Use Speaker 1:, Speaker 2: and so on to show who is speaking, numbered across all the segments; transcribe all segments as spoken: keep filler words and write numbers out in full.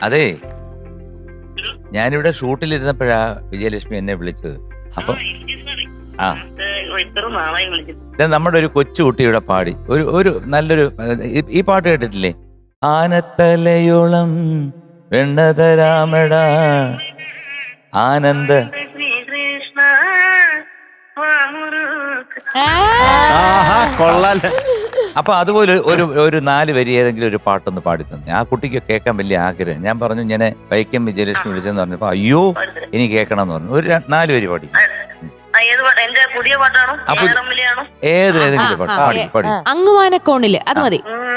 Speaker 1: അതെ, ഞാനിവിടെ ഷൂട്ടിലിരുന്നപ്പോഴാ വിജയലക്ഷ്മി എന്നെ വിളിച്ചത്. അപ്പൊ ആ ഇത് നമ്മുടെ ഒരു കൊച്ചുകുട്ടിയുടെ പാടി ഒരു ഒരു നല്ലൊരു ഈ പാട്ട് കേട്ടിട്ടില്ലേ? ആനത്തലയോളം വെണ്ണതരാമട ആനന്ദ. അപ്പൊ അതുപോലെ ഒരു ഒരു നാല് വരി ഏതെങ്കിലും ഒരു പാട്ടൊന്ന് പാടി തന്നെ. ആ കുട്ടിക്ക് കേൾക്കാൻ വലിയ ആഗ്രഹം. ഞാൻ പറഞ്ഞു ഇങ്ങനെ വൈക്കം വിജയലക്ഷ്മി വിളിച്ചെന്ന് പറഞ്ഞപ്പോ അയ്യോ ഇനി കേൾക്കണം എന്ന് പറഞ്ഞു. ഒരു നാല് വരി പാടി. ഏത് ഏതെങ്കിലും പാട്ട് പാടി പാടി.
Speaker 2: അങ്ങുവാനക്കോണില് അത് മതി.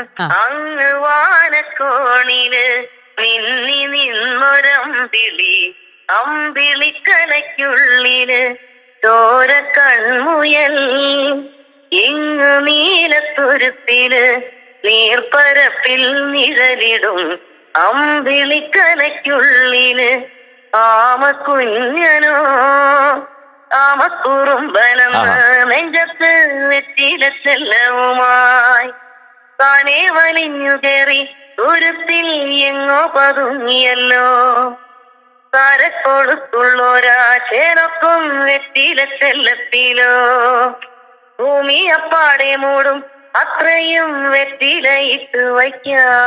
Speaker 3: അങ്ങുവാനക്കോണില് നിന്നി നിന്നൊരമ്പിളി അമ്പിളിക്കലയ്ക്കുള്ളില് ചോര കൺമുയൽ ഇങ്ങു നീലത്തുരുത്തില് നീർപ്പരപ്പിൽ നിഴലിടും അമ്പിളിക്കലയ്ക്കുള്ളില് ആമക്കുഞ്ഞനോ ആമക്കുറുമ്പനെന്ന് നെഞ്ചത്ത് വെറ്റില ചെല്ലവുമായി താനേ വലിഞ്ഞു കയറി തുരുത്തിൽ എങ്ങോ പതുങ്ങിയല്ലോ കരക്കൊടുത്തുള്ളോരാ ചേനൊക്കും വെറ്റില ചെല്ലത്തിലോ ഭൂമി അപ്പാടെ മൂടും അത്രയും വെറ്റിലയിട്ട് വയ്ക്കാം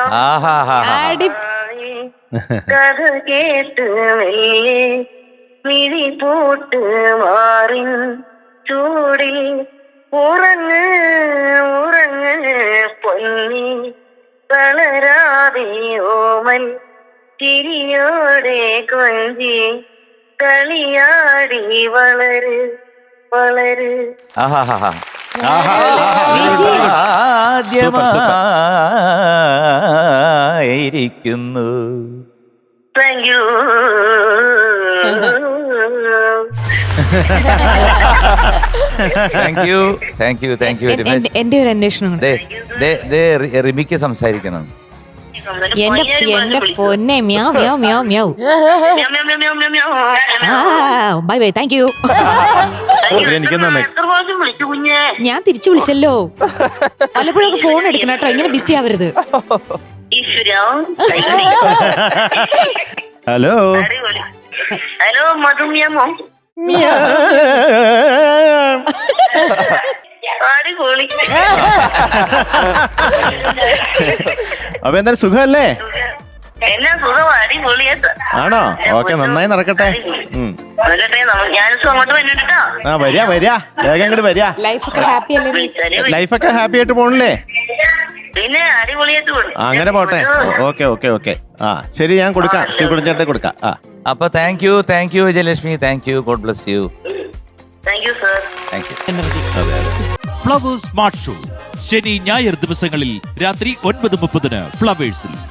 Speaker 3: കഥ കേട്ട് മെല്ലെ മിഴി പൂട്ട് മാറിൻ ചൂടിൽ ഉറങ്ങ് ഉറങ്ങ് പൊന്നി തളരാതെ ഓമൻ ചിരിയോടെ കൊഞ്ചി കളിയാടി വളര് വളര്.
Speaker 1: ആദ്യമായിരിക്കുന്നു.
Speaker 3: Thank you.
Speaker 1: Thank you thank you thank you very much.
Speaker 2: എന്റെ ഒരു അന്വേഷണം
Speaker 1: റിമിക്ക് സംസാരിക്കണം.
Speaker 2: എന്റെ എന്റെ പൊന്നെ meow meow meow meow. Bye bye thank you. ഞാൻ തിരിച്ചു വിളിച്ചല്ലോ. പലപ്പോഴൊക്കെ ഫോൺ എടുക്കണം കേട്ടോ, ഇങ്ങനെ ബിസി ആവരുത്.
Speaker 4: ഹലോ
Speaker 3: ഹലോ മധുമ്യമോ? അടിപൊളി.
Speaker 4: അപ്പൊ എന്തായാലും സുഖല്ലേ?
Speaker 3: എന്നാ സുഖം, അടിപൊളിയാ.
Speaker 4: ആണോ? ഓക്കെ, നന്നായി നടക്കട്ടെ.
Speaker 3: ഞാനിപ്പോ അങ്ങോട്ട് വന്നിട്ടാ.
Speaker 4: ആ വരിക വരിക വേഗം ഇങ്ങോട്ട് വരിക.
Speaker 2: ലൈഫൊക്കെ ഹാപ്പി അല്ലേ?
Speaker 4: ലൈഫൊക്കെ ഹാപ്പി ആയിട്ട് പോണില്ലേ?
Speaker 3: പിന്നെ അടിപൊളിയായിട്ട് പോണു.
Speaker 4: അങ്ങനെ പോട്ടെ. Okay okay okay. ആ ശരി, ഞാൻ കൊടുക്കാം. ശ്രീകുടിച്ചേട്ടെ കൊടുക്കാം. ആ
Speaker 1: അപ്പൊ thank you thank you Vijayalakshmi. Thank you. God bless you.
Speaker 3: Thank you sir.
Speaker 1: Thank you.
Speaker 5: Flowers smart show ശനി ഞായർ ദിവസങ്ങളിൽ രാത്രി ഒൻപത് മുപ്പതിന് ഫ്ലവേഴ്സിൽ.